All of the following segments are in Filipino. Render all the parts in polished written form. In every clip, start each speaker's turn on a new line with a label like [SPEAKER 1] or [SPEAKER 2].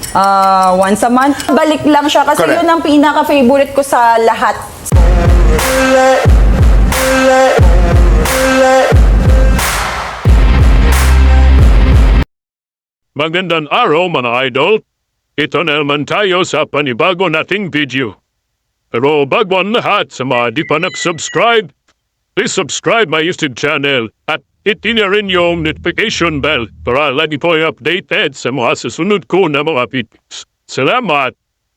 [SPEAKER 1] Once a month. Balik lang siya kasi
[SPEAKER 2] Correct.
[SPEAKER 1] yun ang pinaka-favorite ko sa lahat.
[SPEAKER 3] Magandang araw mga idol. Ito na naman tayo sa panibago nating video. Pero bago ang lahat sa mga di pa subscribe, please subscribe my YouTube channel at hit na rin yung notification bell para lagi po updated sa mga susunod ko na mga videos. Salamat!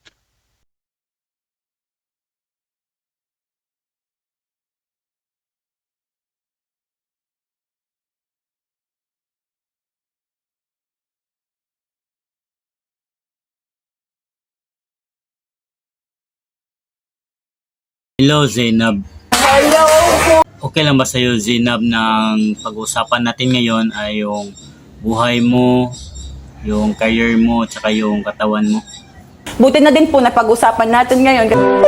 [SPEAKER 4] Hello, Zainab.
[SPEAKER 1] Hello!
[SPEAKER 4] Okay lang ba sa'yo, Zainab, ng pag-usapan natin ngayon ay yung buhay mo, yung career mo, tsaka yung katawan mo?
[SPEAKER 1] Buti na din po na pag-usapan natin ngayon.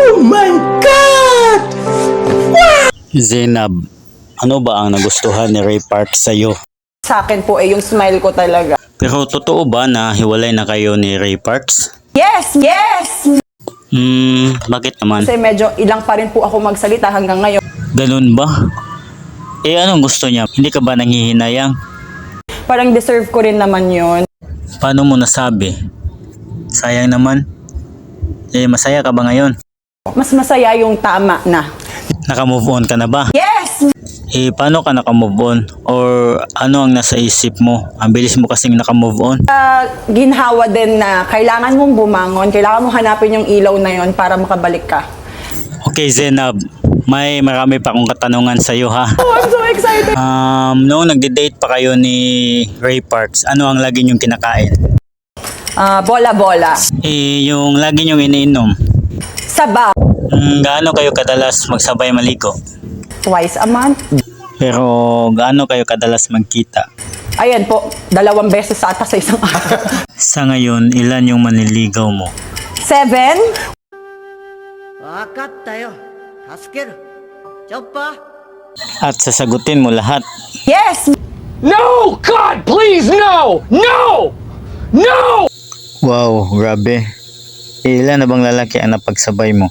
[SPEAKER 4] Zainab, ano ba ang nagustuhan ni Ray Park sa'yo?
[SPEAKER 1] Sa akin po yung smile ko talaga.
[SPEAKER 4] Pero totoo ba na hiwalay na kayo ni Ray Parks?
[SPEAKER 1] Yes! Yes!
[SPEAKER 4] Bakit naman?
[SPEAKER 1] Kasi medyo ilang pa rin po ako magsalita hanggang ngayon.
[SPEAKER 4] Ganun ba? Anong gusto niya? Hindi ka ba nanghihinayang?
[SPEAKER 1] Parang deserve ko rin naman yun.
[SPEAKER 4] Paano mo nasabi? Sayang naman. Masaya ka ba ngayon?
[SPEAKER 1] Mas masaya yung tama na.
[SPEAKER 4] Naka-move on ka na ba?
[SPEAKER 1] Yes!
[SPEAKER 4] Paano ka naka-move on? Or ano ang nasa isip mo? Ang bilis mo kasing naka-move on.
[SPEAKER 1] Ginhawa din na kailangan mong bumangon, kailangan mong hanapin yung ilaw na yon para makabalik ka.
[SPEAKER 4] Okay, Zainab. May marami pa akong katanungan sa iyo, ha?
[SPEAKER 1] Oh, I'm so excited!
[SPEAKER 4] Noong nagde-date pa kayo ni Ray Parks, ano ang lagi niyong kinakain?
[SPEAKER 1] Bola-bola.
[SPEAKER 4] Yung lagi niyong iniinom.
[SPEAKER 1] Sabaw.
[SPEAKER 4] Gaano kayo kadalas magsabay maligo?
[SPEAKER 1] Twice a month.
[SPEAKER 4] Pero gaano kayo kadalas magkita?
[SPEAKER 1] Ayan po, 2 beses ata sa isang araw.
[SPEAKER 4] Sa ngayon, ilan yung manliligaw mo?
[SPEAKER 1] 7?
[SPEAKER 5] わかったよ。助ける。チョッパー。
[SPEAKER 4] At sasagutin mo lahat.
[SPEAKER 1] Yes!
[SPEAKER 2] No! God, please, no! No! No!
[SPEAKER 4] Wow, grabe. Ilan na bang lalaki ang napagsabay mo?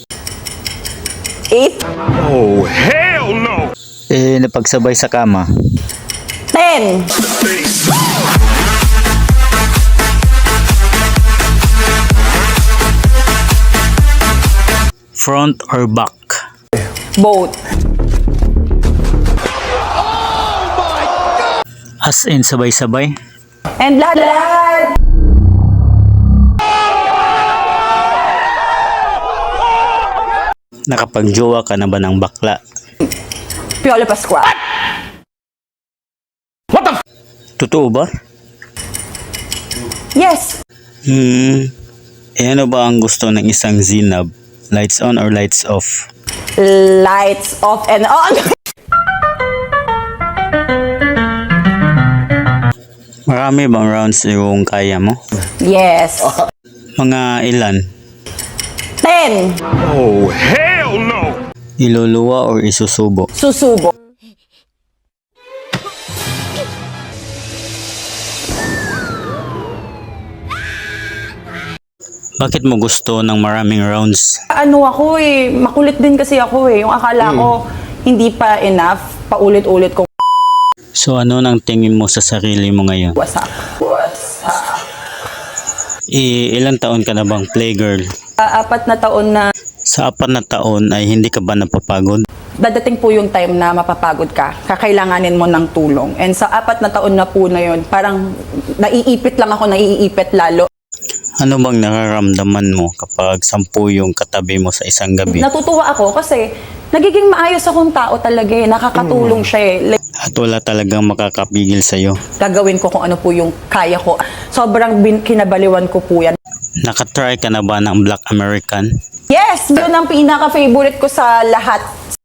[SPEAKER 1] 8?
[SPEAKER 3] Oh, hell no!
[SPEAKER 4] Napagsabay sa kama?
[SPEAKER 1] 10?
[SPEAKER 4] Front or back?
[SPEAKER 1] Both.
[SPEAKER 4] As in sabay-sabay?
[SPEAKER 1] And lahat!
[SPEAKER 4] Nakapagjowa ka na ba ng bakla?
[SPEAKER 1] Piolo Pascual.
[SPEAKER 4] Totoo ba?
[SPEAKER 1] Yes!
[SPEAKER 4] Ano ba ang gusto ng isang Zainab? Lights on or lights off?
[SPEAKER 1] Lights off and on.
[SPEAKER 4] Marami bang rounds yung kaya mo?
[SPEAKER 1] Yes.
[SPEAKER 4] Mga ilan?
[SPEAKER 1] 10.
[SPEAKER 3] Oh, hell no!
[SPEAKER 4] Iluluwa or isusubo?
[SPEAKER 1] Susubo.
[SPEAKER 4] Bakit mo gusto ng maraming rounds?
[SPEAKER 1] Ano ako makulit din kasi ako Yung akala ko hindi pa enough, paulit-ulit kong
[SPEAKER 4] So ano nang tingin mo sa sarili mo ngayon?
[SPEAKER 1] wasak.
[SPEAKER 4] Ilang taon ka na bang playgirl?
[SPEAKER 1] 4 na taon na
[SPEAKER 4] Sa 4 na taon ay hindi ka ba napapagod?
[SPEAKER 1] dadating po yung time na mapapagod ka, kakailanganin mo ng tulong. And sa 4 na taon na po na yun, parang naiipit lang ako, naiipit lalo.
[SPEAKER 4] Ano bang nararamdaman mo kapag 10 yung katabi mo sa isang gabi?
[SPEAKER 1] Natutuwa ako kasi nagiging maayos akong tao talaga nakakatulong siya Like,
[SPEAKER 4] At wala talagang makakapigil sa'yo.
[SPEAKER 1] gagawin ko kung ano po yung kaya ko. Sobrang kinabaliwan ko po yan.
[SPEAKER 4] Nakatry ka na ba ng Black American?
[SPEAKER 1] Yes! Yun ang pinaka-favorite ko sa lahat.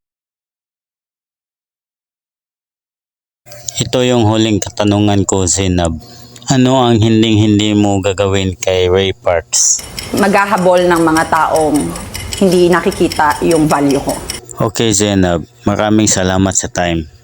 [SPEAKER 4] Ito yung huling katanungan ko, Zainab. Ano ang hinding-hindi mo gagawin kay Ray Parks?
[SPEAKER 1] Maghahabol ng mga taong hindi nakikita yung value ko.
[SPEAKER 4] Okay, Zainab. Maraming salamat sa time.